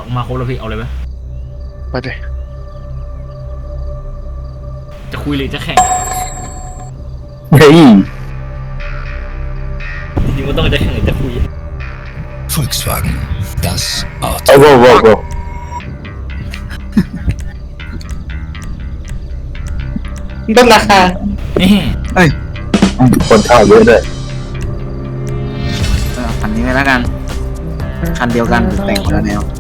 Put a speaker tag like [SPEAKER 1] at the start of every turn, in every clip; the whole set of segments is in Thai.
[SPEAKER 1] มาครบแล้วพี่เอาเลยไหม
[SPEAKER 2] ไปดิ
[SPEAKER 1] จะคุยหรือจะแข่ง
[SPEAKER 3] เฮ้ย
[SPEAKER 1] จริงๆมันต้องจะแข่งหรือจะคุย
[SPEAKER 4] Volkswagen, das
[SPEAKER 3] โอ้
[SPEAKER 4] Auto.
[SPEAKER 3] โห
[SPEAKER 2] ลดราคา
[SPEAKER 1] นี่
[SPEAKER 5] เอ้ย
[SPEAKER 3] คนเข้าเยอะด้วย
[SPEAKER 5] คันนี้ไปแล้วกันคันเดียวกันแต่งคนละแนว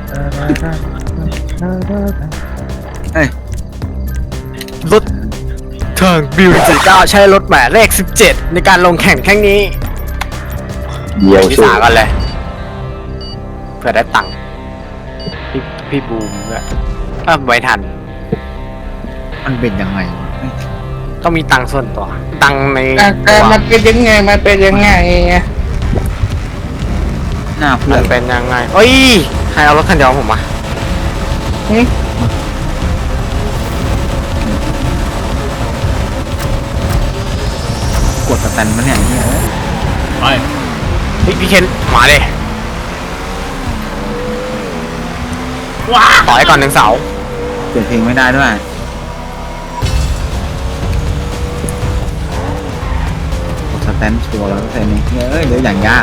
[SPEAKER 5] เอ้ย
[SPEAKER 6] รถทางบิว49ใช้รถหมายเลข17ในการลงแข่งครั้งนี้
[SPEAKER 3] เดียว
[SPEAKER 6] พี่
[SPEAKER 3] สู้
[SPEAKER 6] สากันเลยเพื่อได้ตังค์พี่บูมด้วยถ้าไว้ทัน
[SPEAKER 5] มันเป็นยังไง
[SPEAKER 6] ต้องมีตังค์ส่วนตัวตังค์ใน
[SPEAKER 2] มันเป็นยังไงมันเป็นยังไง
[SPEAKER 5] หน้าเพื่อ
[SPEAKER 6] มัน นเป็นยังไงเอ้ยใครเอารถคันเดียวผมมา
[SPEAKER 5] กดสแตนมันเนี่ยเนี่ย
[SPEAKER 1] ไป
[SPEAKER 6] พี่เคนมาเลย
[SPEAKER 1] ว้า
[SPEAKER 6] ต่อยก่อนหนึ่งเสา
[SPEAKER 5] เปิดเพลงไม่ได้ด้วยกดสแตนชัวร์แล้วแต่นี่เอ้ยเดี๋ยวอย่างยาก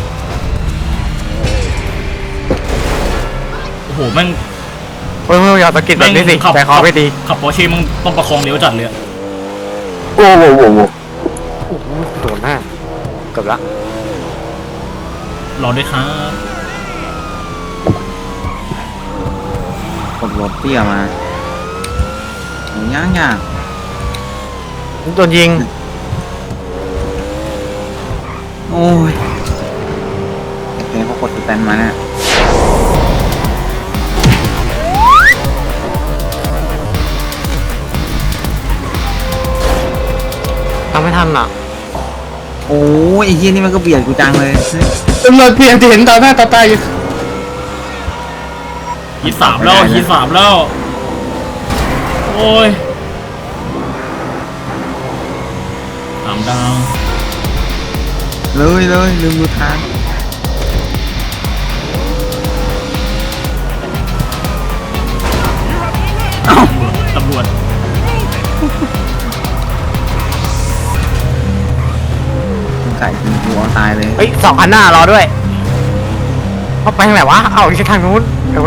[SPEAKER 1] โอ้โหแม่ง
[SPEAKER 6] เฮ้ยอย่าสะกิดแบบนี้สิใจคอไม่ดี
[SPEAKER 1] ขับปอร์เช่มึงต้องประคองเลี้ยวจัดเลย
[SPEAKER 3] โอ้โห
[SPEAKER 6] โอ้โหโดนหน้าเกือบละ
[SPEAKER 1] รอด้วยครับ
[SPEAKER 5] กดรถเตี้ยมาย่างยาก
[SPEAKER 6] โดนยิง
[SPEAKER 5] โอ้ยแต่เขากดสแตนมาเนี่ย
[SPEAKER 6] ทำไม่ทันอ่ะ
[SPEAKER 5] โอ้ยไอ้เหี้ยนี่มันก็เบียดกูจังเลย
[SPEAKER 2] ตำรวจเพียงจะเห็นต่อหน้าต่อตาอยู่
[SPEAKER 1] ฮีท3แล้วฮีท3แล้วโอ้ย3 ดาว
[SPEAKER 5] เลยลืมดูทาง
[SPEAKER 1] ตำรวจ
[SPEAKER 5] ไก่กินหัวตายเลย
[SPEAKER 6] เฮ้ย2 คันหน้ารอด้วยเขาไปทางไหนวะเอาอีกทางนู้นเวน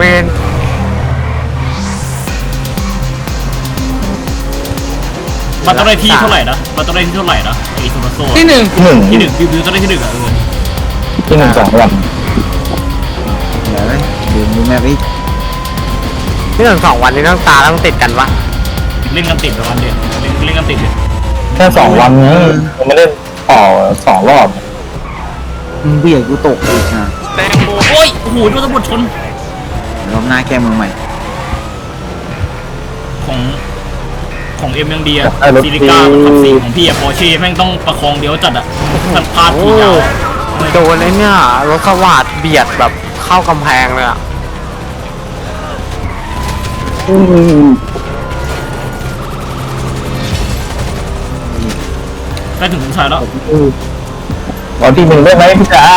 [SPEAKER 1] มันต้องได้ที่เท่าไหร่นะมันต้องได้ที่เท่าไหร่นะไอ้ซูเปอร์โซ่
[SPEAKER 2] ที่หนึ่ง
[SPEAKER 3] ที่หนึ่ง
[SPEAKER 1] ที่ 1บิวต้องได้ที่ 1อ่ะ
[SPEAKER 3] ที่หนึ่ง2 วัน
[SPEAKER 5] เดี๋ยวเลยดูแม่ไป
[SPEAKER 6] นี่ถึง2 วันนี้ต้องตาต้องติดกันวะ
[SPEAKER 1] เล่นกันติดประมาณเดียวเล่นกันติดเลย
[SPEAKER 3] แค่2 วันนี้ยังไม่ได้ต่อ2 รอบ
[SPEAKER 5] มึงเบียดกูตกอีกนะ
[SPEAKER 1] แตงโมโอ้ยโอ้โหโดนตำรวจชน
[SPEAKER 5] รอบหน้าแก้มือใหม่
[SPEAKER 1] ของเอ็มยังดีอะซีริก้าขับ4ของพี่อะปอร์เช่แม่งต้องประคองเลี้ยวจัดอะมันพลาดทีเดียว
[SPEAKER 6] โดนไอ้เนี่ยรถสวัสดเบียดแบบเข้ากำแพงเลยอะ
[SPEAKER 1] ใกล้ถึงถึงชายแล้ว
[SPEAKER 3] วันที่ 1ได้ไหมพี่จ๋า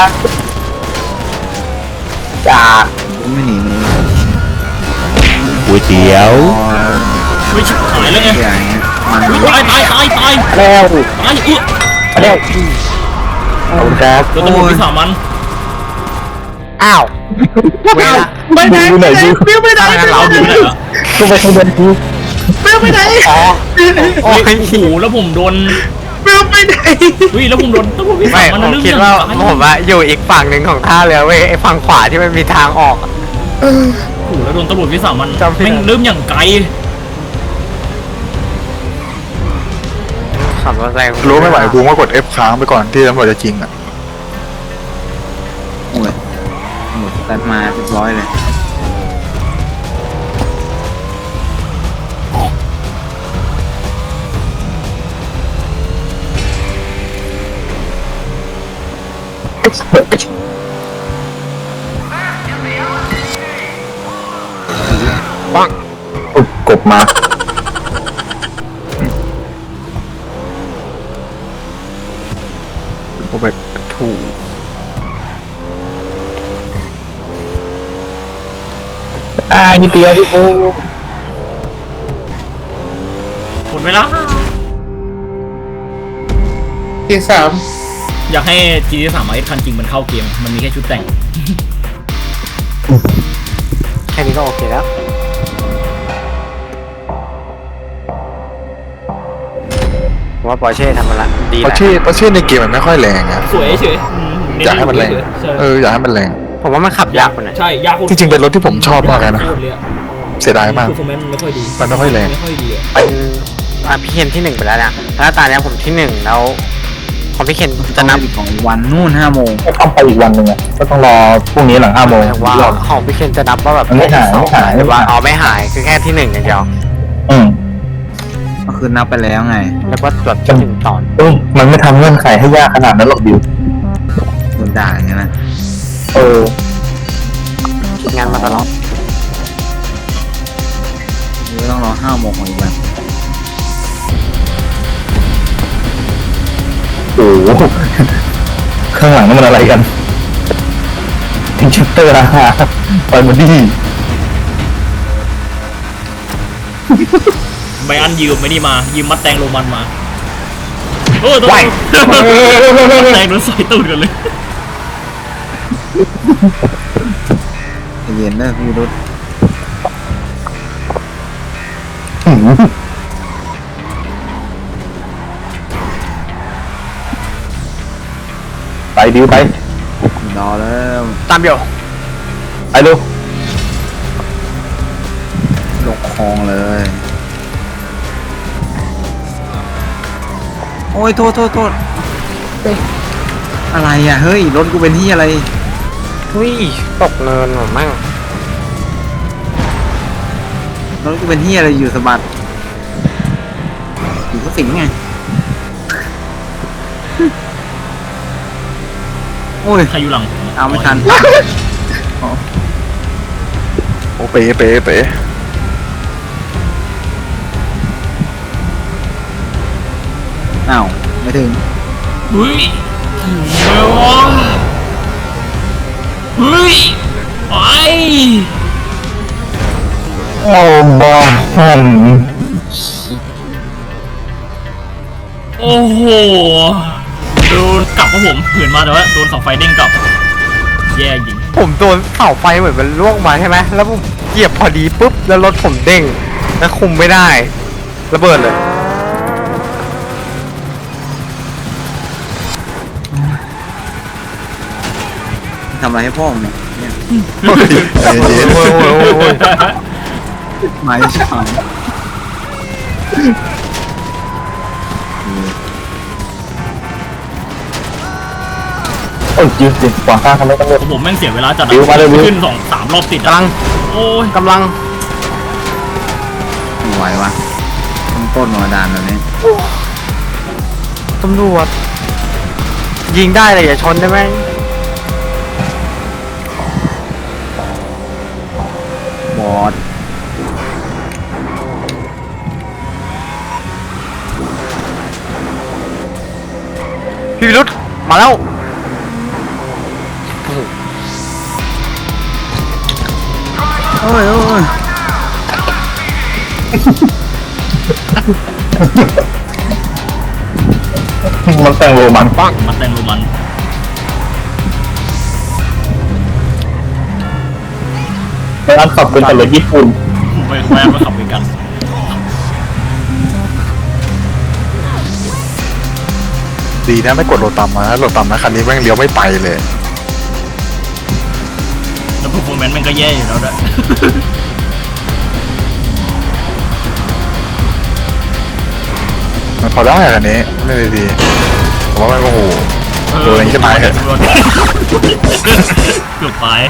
[SPEAKER 3] จ๋า
[SPEAKER 5] ไม่หนีมึง
[SPEAKER 3] ก๋วยเตี๋ยว
[SPEAKER 1] ไม่ชิบหายแล้วไง
[SPEAKER 5] เสียอย่างเงี้ยมัน
[SPEAKER 1] ตาย
[SPEAKER 3] แล้ว
[SPEAKER 1] ตาย
[SPEAKER 3] แล้ว
[SPEAKER 1] ขอบ
[SPEAKER 3] คุณครับ
[SPEAKER 1] โดนตำรวจวิสามัน
[SPEAKER 6] อ้าวเวลา
[SPEAKER 2] ไปไหน
[SPEAKER 3] ดูไหนดู
[SPEAKER 2] ฟิวไปไหน
[SPEAKER 1] เราดูไม่ได้เหรอ
[SPEAKER 3] กูไปทางเดินกู
[SPEAKER 2] ฟิวไปไหน
[SPEAKER 6] อ๋อโอ้ย
[SPEAKER 1] โอ้โหแล้วผมโดน
[SPEAKER 2] ฟิวไปไหน
[SPEAKER 1] แล้วผมโดนตำรวจวิสา
[SPEAKER 6] ไม่
[SPEAKER 1] มัน
[SPEAKER 6] ผม
[SPEAKER 1] เรื่อง
[SPEAKER 6] คิดว่าผมอะอยู่อีกฝั่งหนึ่งของท่าเรือเว้ยไอ้ฝั่งขวาที่มันมีทางออกอะ
[SPEAKER 1] โอ้โหแล้วโดนตำรวจวิสามัน
[SPEAKER 6] จำไม่ได้
[SPEAKER 1] แม่งเริ่มอย่างไกล
[SPEAKER 6] ขับรถแรง
[SPEAKER 2] รู้ไม่ไหวกูก็กด F ค้างไปก่อนที่ตำรวจจะจริงอ่ะ
[SPEAKER 5] โอ้ยหมดสแตนมาเรียบร้อยเลย
[SPEAKER 6] ปัง
[SPEAKER 3] อุ๊ยกบมา
[SPEAKER 2] กูไปถูก
[SPEAKER 3] นิดเดียวพี่ปู
[SPEAKER 1] หมดเวลา
[SPEAKER 2] ที่สาม
[SPEAKER 1] อยากให้ GT3 RS คันจริงมันเข้าเกม มันมีแค่ชุดแต่ง
[SPEAKER 6] แค่นี้ก็โอเคแล้วผมว่าปอร์เช่ทำมันละดีแห
[SPEAKER 2] เพราะ
[SPEAKER 6] ละ
[SPEAKER 2] ชื่อในเกมมันไม่ค่อยแรงนะ
[SPEAKER 1] สวยเฉย
[SPEAKER 2] อยากให้มันแรงอยากให้มันแรง
[SPEAKER 6] ผมว่ามันขับยากกว่านั้น
[SPEAKER 1] ใช่ยาก
[SPEAKER 2] จริงๆเป็นรถที่ผมชอบมากเลยนะ เสียดายมาก
[SPEAKER 1] คือคอมเมนต์มันไม่ค่อยดี
[SPEAKER 2] มันไม่ค่อยแรง
[SPEAKER 1] ไม่ค่อยดีอะ
[SPEAKER 6] เป็นพี่เคนที่หนึ่งไปแล้วนะแล้วตอนนี้ผมที่หนึ่งแล้วของพี่เคน
[SPEAKER 5] จะ
[SPEAKER 6] จะ
[SPEAKER 5] นั
[SPEAKER 6] นั
[SPEAKER 5] บบ อีกของวันนู่น5 โมง
[SPEAKER 3] ก็ต้องไปอีกวันหนึ่งอ่ะก็ต้องรอพรุ่งนี้หลัง5 โมง
[SPEAKER 6] ว่าของพี่เคนจะนับว่าแบบ
[SPEAKER 3] มันไม่หาย
[SPEAKER 6] ที่สอง
[SPEAKER 3] ไม่หาย
[SPEAKER 6] หรือว่าอ๋อไม่หายคือแค่ที่หนึ่งอย่างเดียว
[SPEAKER 3] อืม
[SPEAKER 5] ก็คือนับไปแล้วไง
[SPEAKER 6] แล้วก็แบบที่หนึ่งตอน
[SPEAKER 3] มันไม่ทำเงื่อนไขให้ยากขนาดนั้นหรอกบิว
[SPEAKER 5] โดนด่าอย่างนั้นนะ
[SPEAKER 6] คิดงานมาตลอด
[SPEAKER 5] หรือต้องรอ5 โมงของอีกวัน
[SPEAKER 3] โอ้โหข้างหลังนั่นมันอะไรกันทิงชัตเตอร์นะฮะไปมาดี
[SPEAKER 1] ไบอันยืมไม่นี่มา ยืมมัดแตงโรมันมาโอ้ยต้องมัดแตงโดนใส่ตูดกันเลย
[SPEAKER 5] ใจเย็นนะพี่รุด
[SPEAKER 3] ไปบิวไป
[SPEAKER 5] รอแล้ว
[SPEAKER 6] ตามเดียว
[SPEAKER 3] ไปเร็ว
[SPEAKER 5] ลงคลองเลย โอ้ยโทษอะไรอ่ะเฮ้ยรถกูเป็นที่อะไร
[SPEAKER 6] อุ้ยตกเนินหรอมั่ง
[SPEAKER 5] รถกูเป็นที่อะไรอยู่สะบัดอยู่ก็สิงไงโอ้ย
[SPEAKER 1] ใครอยู่หลัง
[SPEAKER 5] เอาไม่ทัน
[SPEAKER 2] โอ้เป๋เป๋เป๋
[SPEAKER 5] อ้าวไม่ถึง
[SPEAKER 1] เฮ้ยถึงแล้ววะเฮ้ยไป
[SPEAKER 3] โอ้บอล
[SPEAKER 1] โอ้โหโดนกลับครับผมเผื่อนมาแต่ว่าโดนเสาไฟเด้งกลับ แย่จริง
[SPEAKER 6] ผมโดนเสาไฟเหมือนมันล่วงมาใช่ไหมแล้วผมเหยียบพอดีปุ๊บแล้วรถผมเด้งแล้วคุมไม่ได้ระเบิดเลย
[SPEAKER 5] ทำอะไรให้พ่อมึงเนี่ย
[SPEAKER 2] ใจเย็น
[SPEAKER 5] ไม่ใช่
[SPEAKER 3] โอ้ยยืดสิขวางข้างทำไมต้องเลือก
[SPEAKER 1] ผมแม่งเสียเวลาจัด
[SPEAKER 3] บิวมาเลยบิว
[SPEAKER 1] ขึ้น2-3 รอบติดอะ
[SPEAKER 6] กำลัง
[SPEAKER 1] โอ้ย
[SPEAKER 6] กำลัง
[SPEAKER 5] ไม่ไหววะต้นมาดานแบบนี้
[SPEAKER 6] ตำรวจยิงได้เลยอย่าชนได้ไหม
[SPEAKER 5] บอด
[SPEAKER 6] พี่วิรุธมาแล้ว
[SPEAKER 5] โอ้ย
[SPEAKER 3] มันแต่งโรมันปัง
[SPEAKER 1] มัดแตงโรมัน
[SPEAKER 3] ไปอันขับเป็นแต่รถญี่ปุ่น
[SPEAKER 1] ไปแวะมาขับด้วยกัน
[SPEAKER 2] ดีนะไม่กดโหลดต่ำมาโหลดต่ำนะคันนี้แม่งเลี้ยวไม่ไปเลย
[SPEAKER 1] แล้วพอร์ฟอร์แมนซ์มันก็แย่อยู่แล้วด้วย
[SPEAKER 2] มันพอได้คันนี้ไม่ได้ดีผมว่ามันโอ้โห โดนอย่างนี้จะตายเหรอ
[SPEAKER 1] เกือบตาย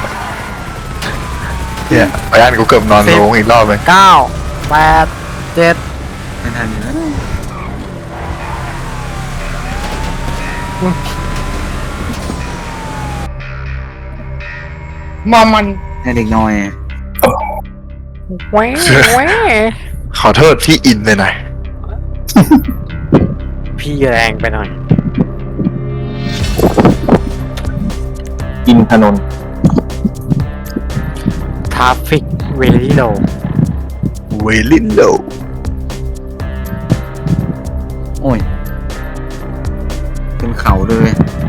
[SPEAKER 2] เนี่ยไปอ่านกูเกือบนอนลงอีกรอบเลย
[SPEAKER 6] 9 8 7
[SPEAKER 5] ไม่ทันอยู่แล้ว ให้เด็กน้อย
[SPEAKER 6] แหวแหว
[SPEAKER 2] ขอโทษพี่อินไปหน่อย
[SPEAKER 6] พี่แรงไปหน่อย
[SPEAKER 3] กินถนน
[SPEAKER 6] ทราฟิกเวลี่โล
[SPEAKER 2] เวลินโด
[SPEAKER 5] โอ้ยเป็นเขาเลย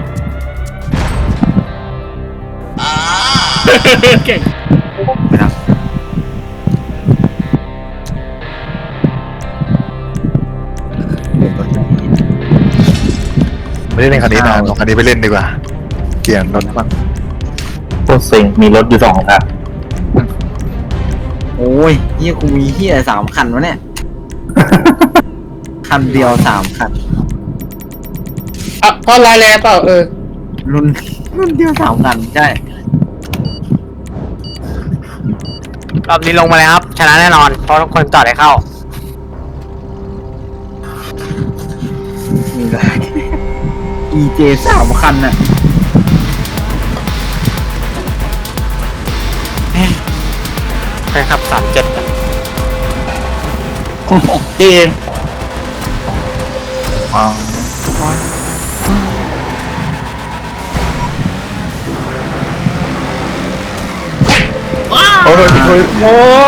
[SPEAKER 1] เก่ง
[SPEAKER 5] ไม่รับ
[SPEAKER 2] ไม่ได้เล่นคันนี้นานลองคันนี้ไปเล่นดีกว่าเกียร์รถบ้าง
[SPEAKER 3] โคตรเซ็งมีรถอยู่2 คัน
[SPEAKER 5] โอ้ยเฮียกูมีเฮีย3 คันวะเนี่ย คันเดียว3 คัน
[SPEAKER 7] อ่ะพอไลน์แล้วเปล่า
[SPEAKER 5] รุ่นเดียว3 คันใช่
[SPEAKER 6] รอบนี้ลงมาเลยครับ ชนะแน่นอน เพราะทุกคนจอดให้เข้า
[SPEAKER 5] มีเลย EJ 3 คันน่ะ
[SPEAKER 6] ไปขับ 37อะ
[SPEAKER 7] จริง
[SPEAKER 2] ว้าว
[SPEAKER 3] โอ้ย
[SPEAKER 7] โอ้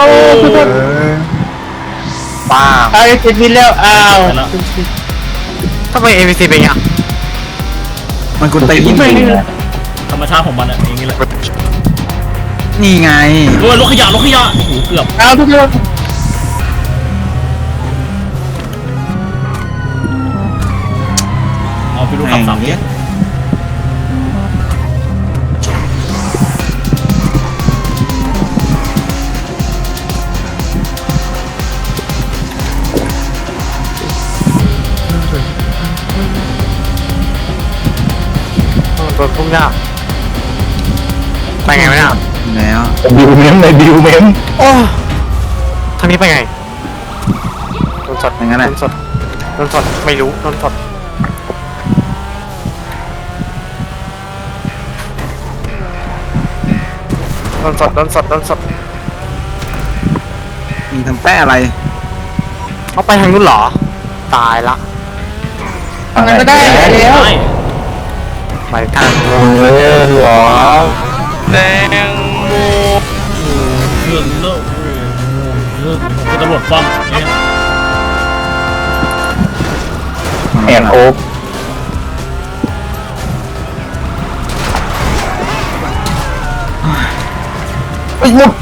[SPEAKER 3] ป้า
[SPEAKER 7] เอาเจ็ดวินแล้วอ้าว
[SPEAKER 1] ไปแล้ว
[SPEAKER 6] ทำไม ABC เป็นอย่างเงี้ย
[SPEAKER 5] มันกูตี
[SPEAKER 3] ไม่
[SPEAKER 1] ธรรมชาติของมันอะอย่างนี้แหละ
[SPEAKER 5] นี่ไง
[SPEAKER 1] โอ้ยรถขยะโอ้โหเกือบ
[SPEAKER 7] เอาทุกคน
[SPEAKER 1] เอาไปดูขับ3 เนี่ย
[SPEAKER 6] โดนพุ่งยากไปไงวะเนี่ย
[SPEAKER 5] แล้ว
[SPEAKER 3] บิวเมมในบิวเมม
[SPEAKER 6] โอ้ทางนี้ไปไงโดนสด
[SPEAKER 5] อย่างนั้นแหละ
[SPEAKER 6] โดนสดไม่รู้โดนสด
[SPEAKER 5] มีทำแป้อะไร
[SPEAKER 6] เขาไปทางนู้นเหรอ ตายละ
[SPEAKER 7] ทำไงก็ได้แล้ว
[SPEAKER 1] ได้
[SPEAKER 6] ไปทาง
[SPEAKER 3] เออหรอ
[SPEAKER 6] แดงโม
[SPEAKER 1] เรื่องเลิกคือตำรวจฟ้องเนี่ย
[SPEAKER 3] แอนโอ๊กไอ้ยุบ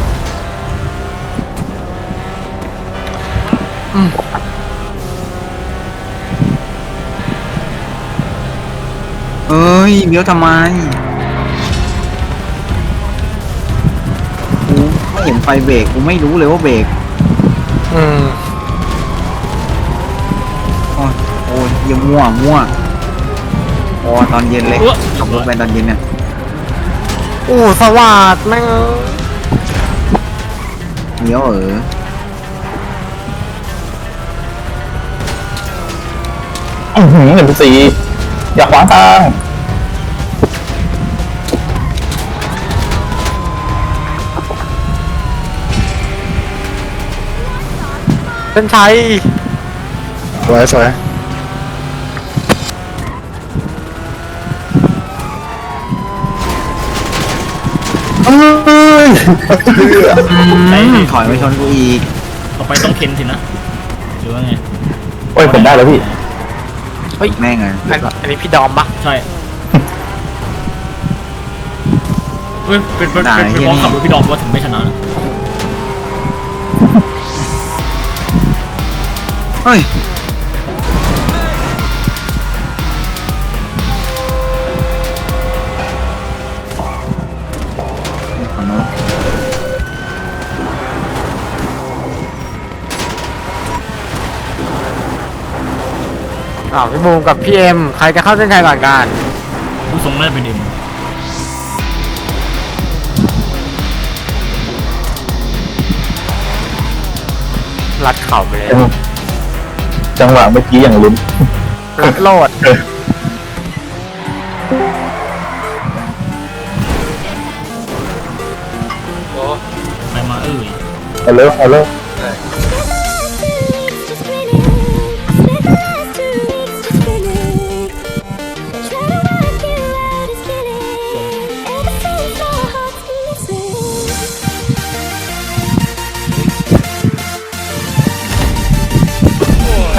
[SPEAKER 5] เอ้ยเลี้ยวทำไมกูไม่เห็นไฟเบรกกูไม่รู้เลยว่าเบรก
[SPEAKER 6] อืม
[SPEAKER 5] โอ้ยเยี่ยมั่วโอ้ตอนเย็นเลยขับรถไปตอนเย็นเนี่ย
[SPEAKER 6] โอ้สวัสดแม่ง
[SPEAKER 5] เลี้ยว
[SPEAKER 3] 1 4อย่าขวางทาง
[SPEAKER 6] เป็นชัย
[SPEAKER 2] สวย
[SPEAKER 3] เอ้ย
[SPEAKER 5] ถอยไปชนกูอีก
[SPEAKER 1] ต่อไปต้องเข็นสินะหรือว่าไง
[SPEAKER 3] โอ้ยผมได้แล้วพี่
[SPEAKER 5] แม่งไง
[SPEAKER 6] อันนี้พี่ดอมปะ
[SPEAKER 1] ใช่เฮ้ยเป็นเพราะขับรถพี่ดอมว่าถึงไม่ชนะนะ
[SPEAKER 5] เฮ้ยขอโน้ต
[SPEAKER 6] พี่บูมกับพี่เอ็มใครจะเข้าเส้นชัยก่อนกัน
[SPEAKER 1] ผู้ทรงน่าจะเป็นเอ็ม
[SPEAKER 6] รัดเข่าไปเลย
[SPEAKER 3] จังหวะเมื่อกี้อย่างลุ้น
[SPEAKER 6] รัดโลด
[SPEAKER 1] ไปมาเอ้ย
[SPEAKER 3] เอาเลย
[SPEAKER 8] Try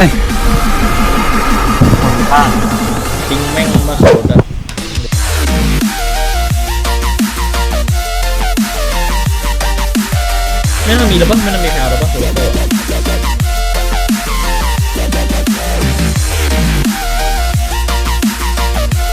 [SPEAKER 1] ข้างทิ้งแม่งมาขับรถอะไม่น่ามีแล้วปะไม่น่ามีแถวแล้วปะหรือว่า